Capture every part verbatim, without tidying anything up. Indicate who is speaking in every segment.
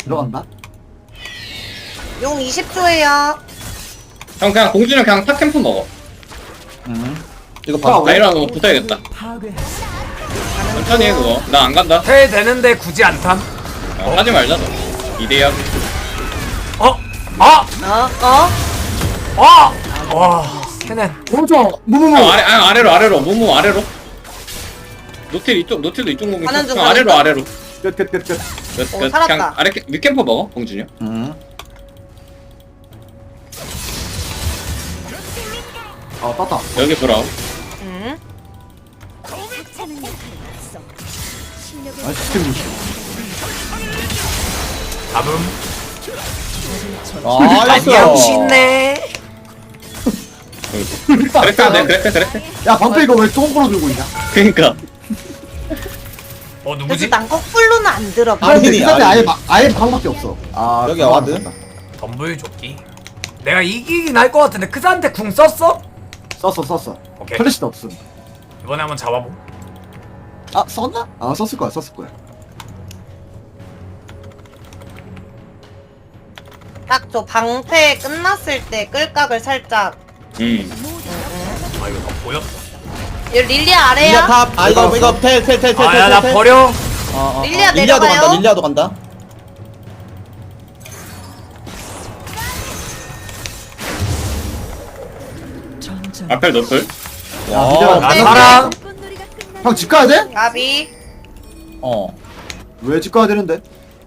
Speaker 1: 들어간다.
Speaker 2: 용 이십 초에요.
Speaker 3: 형 그냥 공주는 그냥 탑 캠프 먹어.
Speaker 1: 음. 이거
Speaker 3: 아,
Speaker 1: 봐.
Speaker 3: 라이라고 붙어야겠다. 천천히 해 그거. 나 안 간다.
Speaker 4: 해 되는데 굳이 안 탐.
Speaker 3: 어, 하지 말자 너. 이대야.
Speaker 4: 어? 아!
Speaker 2: 어? 어?
Speaker 4: 아! 와, 캐넨.
Speaker 1: 오른쪽 무무무.
Speaker 3: 형 아래 아, 아래로 아래로 무무 아래로. 노틸 이쪽 노틸도 이쪽 무무.
Speaker 2: 가는 중,
Speaker 3: 형
Speaker 2: 가는
Speaker 3: 아래로
Speaker 2: 중.
Speaker 3: 아래로.
Speaker 1: 끝끝끝 끝.
Speaker 3: 끝,
Speaker 2: 오,
Speaker 3: 끝.
Speaker 2: 살았다.
Speaker 3: 그냥 아래 캠- 윗캠퍼 먹어 공준이 형.
Speaker 1: 음. 아 땄다.
Speaker 3: 여기 브라운.
Speaker 2: 응?
Speaker 1: 아 시스템이.
Speaker 4: 잡음.
Speaker 1: 아
Speaker 4: 안녕 신네.
Speaker 3: 그랬어 네 그랬어 그랬어.
Speaker 1: 야 방패 이거 왜 똥꼬로 들고 있냐?
Speaker 3: 그니까.
Speaker 4: 어
Speaker 2: 그래서
Speaker 4: 누구지?
Speaker 2: 난 거꾸로는 안 들어가.
Speaker 1: 아니 근데
Speaker 5: 아니니,
Speaker 1: 그 상대 아예
Speaker 5: 아니니.
Speaker 1: 막- 아예 방밖에 없어. 아
Speaker 5: 여기 와드?
Speaker 4: 덤블 조끼. 내가 이기긴 할 것 같은데 크사한테 궁 썼어?
Speaker 1: 썼어 썼어.
Speaker 4: 오케이.
Speaker 1: 플래시도 없음.
Speaker 4: 이번에 한번 잡아보.
Speaker 1: 아 썼나? 아 썼을 거야 썼을 거야.
Speaker 2: 딱 저 방패 끝났을 때 끌각을 살짝.
Speaker 3: 음.
Speaker 4: 아 이거 다 보였어.
Speaker 2: 여기 릴리아
Speaker 5: 릴리아
Speaker 2: 아래야?
Speaker 5: 탑. 아 이거 이거 텔텔텔텔텔.
Speaker 4: 아야 나 버려.
Speaker 5: 어, 어,
Speaker 2: 릴리아
Speaker 5: 어. 릴리아도
Speaker 2: 내려가요?
Speaker 5: 간다. 릴리아도 간다.
Speaker 3: 앞에 노플.
Speaker 1: 야
Speaker 5: 와.
Speaker 1: 미드라.
Speaker 4: 나 살아.
Speaker 1: 형 집 가야 돼?
Speaker 2: 가비.
Speaker 5: 어.
Speaker 1: 왜 집 가야 되는데?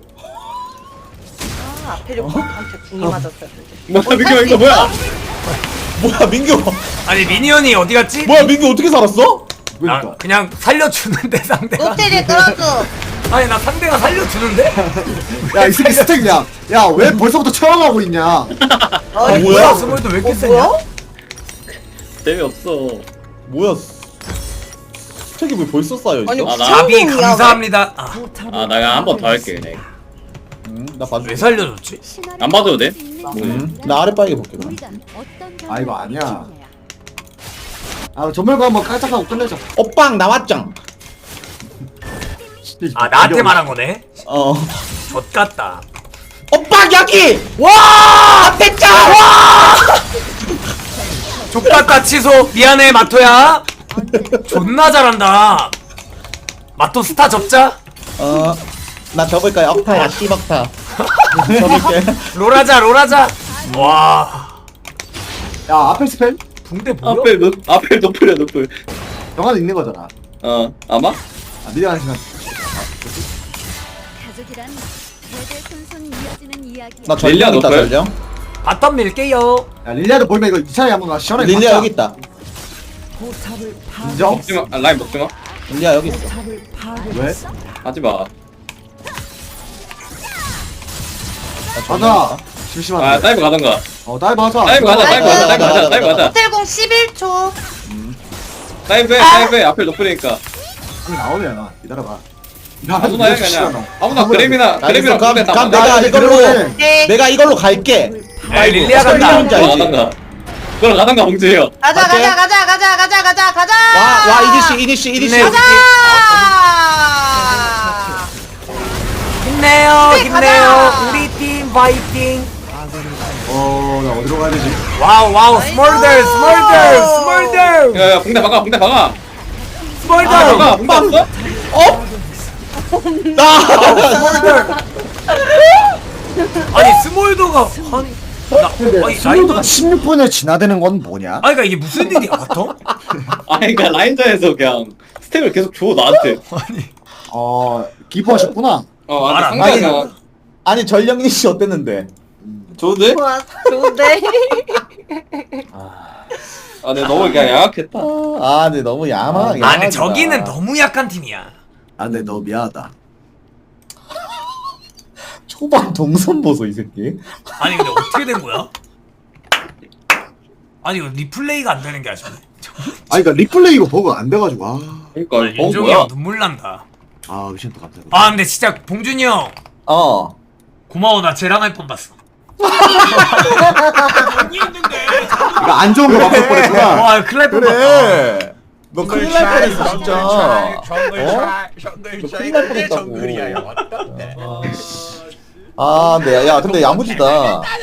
Speaker 2: 아, 앞에 좀 한테 궁이 맞았어요.
Speaker 3: 뭐야
Speaker 2: 어,
Speaker 3: 민규
Speaker 2: 살수
Speaker 3: 이거 뭐야?
Speaker 2: 있어?
Speaker 5: 뭐야 민규?
Speaker 4: 아니 미니언이 어디 갔지?
Speaker 5: 뭐야 민규 어떻게 살았어?
Speaker 4: 나
Speaker 1: 그러니까.
Speaker 4: 그냥 살려주는데 상대가.
Speaker 2: 노텔에 끌어줘.
Speaker 4: 아니 나 상대가 살려주는데?
Speaker 1: 야이 새끼 스택이야. 야 왜 벌써부터 처형하고 있냐?
Speaker 2: 어,
Speaker 4: 아니
Speaker 5: 뭐야?
Speaker 4: 뭐야 스몰도 왜 이렇게
Speaker 2: 어,
Speaker 4: 세냐?
Speaker 2: 뭐야?
Speaker 3: 재미없어.
Speaker 5: 뭐야? 스택이 왜 벌써 쌓여 있어?
Speaker 2: 아니,
Speaker 3: 아, 나-
Speaker 4: 자비
Speaker 2: 무슨 궁이야,
Speaker 4: 감사합니다. 아,
Speaker 3: 아 나 그냥 한 번 더 할게 그냥.
Speaker 5: 음, 나 봐줄게.
Speaker 4: 왜 살려줬지?
Speaker 3: 안 봐도 돼?
Speaker 5: 음, 나 아래 빠르게 볼게. 그럼.
Speaker 1: 아, 이거 아니야. 아 전멸과 한번 깔짝하고 끝내자.
Speaker 5: 오빵 나왔짱.
Speaker 4: 아 나한테 말한 거네.
Speaker 5: 어.
Speaker 4: 젖 같다.
Speaker 5: 오빵 여기.
Speaker 4: 와!
Speaker 5: 됐짱.
Speaker 4: 족같다 취소. 미안해 마토야. 존나 잘한다. 마토 스타 접자.
Speaker 5: 어. 나 접을까요? 억타야 씨벅타. 접을게.
Speaker 4: 롤하자 롤하자. 와.
Speaker 1: 야 앞에 스펠?
Speaker 4: 붕대 뭐야?
Speaker 3: 앞에 노 앞에 노플이야 노플.
Speaker 1: 영화도 있는 거잖아.
Speaker 3: 어 아마?
Speaker 1: 아 미래가는 시간.
Speaker 6: 가족이란 대대손손 이어지는 이야기야.
Speaker 5: 나
Speaker 3: 릴리아
Speaker 5: 전령 있다
Speaker 3: 높아요?
Speaker 5: 전령.
Speaker 4: 바텀 밀게요.
Speaker 1: 야 릴리아도 보이면 이거 이 차례 한번 가 시원하게.
Speaker 5: 릴리아
Speaker 1: 박자.
Speaker 5: 여기 있다.
Speaker 1: 인정?
Speaker 3: 먹지마. 아, 라인 먹지마.
Speaker 5: 릴리아 여기 있어.
Speaker 1: 왜?
Speaker 3: 하지마.
Speaker 5: 나 전령
Speaker 1: 가자.
Speaker 5: 있다.
Speaker 1: 심심한데.
Speaker 3: 아 다이브 가던가.
Speaker 1: 어 다이브 하자.
Speaker 3: 다이브 가자 다이브 가자 다이브
Speaker 5: 가자,
Speaker 3: 가자 다이브
Speaker 5: 가자.
Speaker 3: 가자.
Speaker 2: 호텔공 십일 초.
Speaker 3: 다이브 해 다이브 해 앞에 노플이니까.
Speaker 1: 아니 나오면 기다려봐. 야
Speaker 3: 아무나 해 그냥. 아무나 그램이나
Speaker 5: 알겠어.
Speaker 3: 그램이랑
Speaker 5: 그럼,
Speaker 3: 공대 다
Speaker 5: 그럼
Speaker 3: 맞아.
Speaker 5: 내가 이걸로
Speaker 2: 네.
Speaker 5: 내가 이걸로 갈게.
Speaker 4: 야, 릴리아 간다.
Speaker 5: 뭔지 알지?
Speaker 3: 가던가. 그럼 가던가 봉주요.
Speaker 2: 가자
Speaker 5: 갈게.
Speaker 2: 가자 가자 가자 가자 가자 가자.
Speaker 5: 와, 와 이니시 이니시 이니시.
Speaker 4: 네.
Speaker 2: 가자.
Speaker 4: 힘내요
Speaker 2: 네,
Speaker 4: 힘내요.
Speaker 2: 가자.
Speaker 4: 우리 팀 파이팅.
Speaker 1: 어나 어디로 가야 되지?
Speaker 4: 와우 와우 스몰들 스몰들 스몰들
Speaker 3: 야야 봉대 박아 봉대 박아.
Speaker 4: 스몰들
Speaker 3: 아 박아 봉대 없어?
Speaker 5: 나.
Speaker 4: 스몰들. 아니 스몰더가 아니 나
Speaker 1: 근데
Speaker 4: 아니
Speaker 1: 스몰도가
Speaker 4: 라인
Speaker 1: 십육 분에 진화되는 건 뭐냐?
Speaker 4: 아니 그러니까 이게 무슨 일이야 바텀?
Speaker 3: 아니 그니까 라인전에서 그냥 스택을 계속 줘 나한테.
Speaker 4: 아니
Speaker 1: 어 기뻐하셨구나.
Speaker 3: 어
Speaker 4: 말
Speaker 3: 아니
Speaker 4: 안
Speaker 3: 상대가
Speaker 5: 아니 전령 이니시 어땠는데?
Speaker 3: 좋은데?
Speaker 2: 좋아 좋은데.
Speaker 3: 아 내가 너무 그냥 양악했다.
Speaker 5: 아 근데 너무 야마.
Speaker 4: 아 근데
Speaker 5: 야하다.
Speaker 4: 저기는 너무 약한 팀이야.
Speaker 1: 아 근데 너 미안하다.
Speaker 5: 초반 동선 보소 이 새끼.
Speaker 4: 아니 근데 어떻게 된 거야? 아니 이거 리플레이가 안 되는 게 아쉽네.
Speaker 1: 아 그니까 리플레이 이거 버그 안 돼가지고 아.
Speaker 3: 그니까
Speaker 4: 아,
Speaker 3: 어
Speaker 4: 윤종이
Speaker 3: 뭐야?
Speaker 4: 형 눈물 난다.
Speaker 1: 아 미션 또 감사합니다.
Speaker 4: 아 근데 진짜 봉준이 형
Speaker 5: 어.
Speaker 4: 고마워. 나 쟤랑 할 뻔 봤어.
Speaker 1: 이거 안 좋은 거 맞을 뻔했구나.
Speaker 4: 와 큰일 날 뻔 봤다.
Speaker 5: 그래. 너 큰일 날 뻔했어 진짜. 어? 너 큰일 날 뻔했다고. 아 근데 야 근데 야무지다.